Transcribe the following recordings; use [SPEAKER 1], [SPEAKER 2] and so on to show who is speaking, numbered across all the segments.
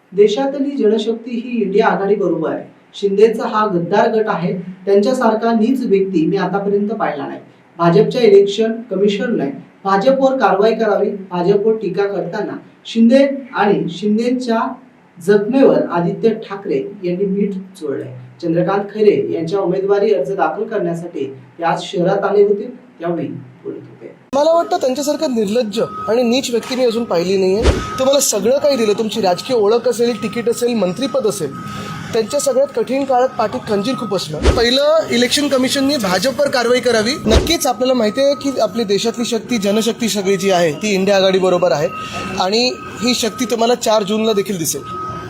[SPEAKER 1] देशातली जनशक्ती ही इंडिया आघाडी बरोबर आहे. शिंदेचा हा गद्दार गट आहे. त्यांच्यासारखा नीच व्यक्ती मी आतापर्यंत पाहिला नाही. भाजपच्या इलेक्शन कमिशनने भाजपवर कारवाई करावी. भाजपवर टीका करताना शिंदे आणि शिंदेच्या जखमेवर आदित्य ठाकरे यांनी मीठ चोळलंय. चंद्रकांत खैरे यांच्या उमेदवारी अर्ज दाखल करण्यासाठी ते आज शहरात आले होते, त्यावेळी बोलत होते.
[SPEAKER 2] मला वाटतं त्यांच्यासारखं निर्लज्ज आणि नीच व्यक्ती मी अजून पाहिली नाहीये. तुम्हाला सगळं काही दिलं, तुमची राजकीय ओळख असेल, तिकीट असेल, मंत्रीपद असेल, त्यांच्या सगळ्यात कठीण काळात पाठीत खंजीर खूप असलं. पहिलं इलेक्शन कमिशननी भाजपवर कारवाई करावी. नक्कीच आपल्याला माहिती आहे की आपली देशातली शक्ती, जनशक्ती सगळी जी आहे ती इंडिया आघाडी बरोबर आहे आणि ही शक्ती तुम्हाला 4 जूनला देखील दिसेल.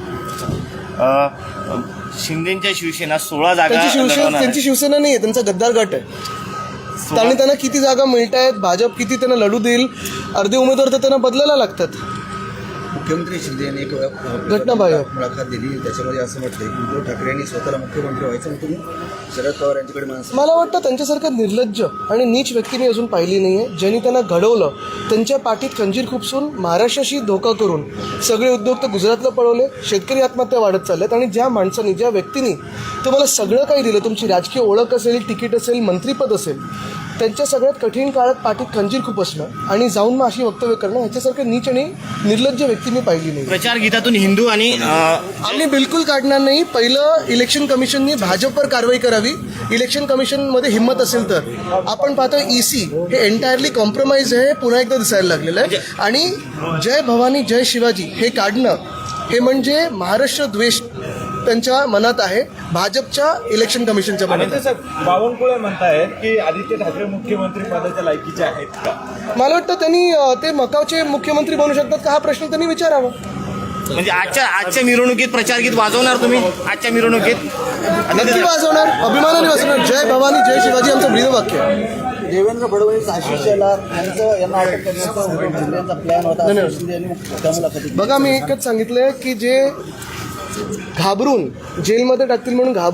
[SPEAKER 3] शिंदेच्या शिवसेना 16 जागा,
[SPEAKER 2] त्यांची शिवसेना नाही आहे, त्यांचा गद्दार गट आहे. आणि त्यांना किती जागा मिळत आहेत, भाजप किती त्यांना लढू देईल, अर्धे उमेदवार तर त्यांना बदलायला लागतात.
[SPEAKER 4] मुख्यमंत्री शिंदे यांनी एक
[SPEAKER 2] घटनाबाह्य
[SPEAKER 4] मुलाखत दिली, त्याच्यामध्ये असं म्हटलंय की उद्धव ठाकरे यांनी स्वतःला मुख्यमंत्री व्हायचं म्हणून तुम्ही शरद पवार यांच्याकडे माणसं.
[SPEAKER 2] मला वाटतं त्यांच्यासारखं निर्लज्ज आणि नीच व्यक्ती मी अजून पाहिली नाहीये. ज्यांनी त्यांना घडवलं, त्यांच्या पाठीत खंजीर खुपसून महाराष्ट्राशी धोका करून सगळे उद्योग तर गुजरातला पळवले, शेतकरी आत्महत्या वाढत चालल्यात. आणि ज्या माणसांनी, ज्या व्यक्तींनी तुम्हाला सगळं काही दिलं, तुमची राजकीय ओळख असेल, तिकीट असेल, मंत्रीपद असेल, त्यांच्या सगळ्यात कठीण काळात पाठीत खंजीर खूप असणं आणि जाऊन मग अशी वक्तव्य करणं, ह्याच्यासारखं नीच आणि निर्लज्ज व्यक्ती मी पाहिली नाही.
[SPEAKER 3] प्रचार गीतातून हिंदू आणि
[SPEAKER 2] आम्ही बिलकुल काढणार नाही. पहिलं इलेक्शन कमिशननी भाजपवर कारवाई करावी. इलेक्शन कमिशनमध्ये हिंमत असेल तर. आपण पाहतो EC हे एंटायरली कॉम्प्रोमाइज आहे, पुन्हा एकदा दिसायला लागलेलं आहे. आणि जय भवानी जय शिवाजी हे काढणं हे म्हणजे महाराष्ट्र द्वेष त्यांच्या मनात आहे, भाजपच्या इलेक्शन कमिशनच्या मनात आहे.
[SPEAKER 5] बावनकुळे म्हणतायत की आदित्य ठाकरे मुख्यमंत्री पदाच्या लायकीचे आहेत का?
[SPEAKER 2] मला वाटतं त्यांनी ते मकावचे मुख्यमंत्री बनू शकतात का, हा प्रश्न त्यांनी विचारावा.
[SPEAKER 3] म्हणजे आजच्या मिरवणुकीत प्रचार गीत वाजवणार तुम्ही? आजच्या मिरवणुकीत
[SPEAKER 2] नक्की वाजवणार, अभिमानाने वाजवणार. जय भवानी जय शिवाजी आमचं ब्रीदवाक्य आहे.
[SPEAKER 4] देवेंद्र फडणवीस, आशिष शेलार यांना अटक करण्याचा प्लॅन होता शिंदे यांनी त्या मुलाखतीत.
[SPEAKER 2] बघा, मी एकच सांगितलंय की जे घाबरून जेलमध्ये टाकतील म्हणून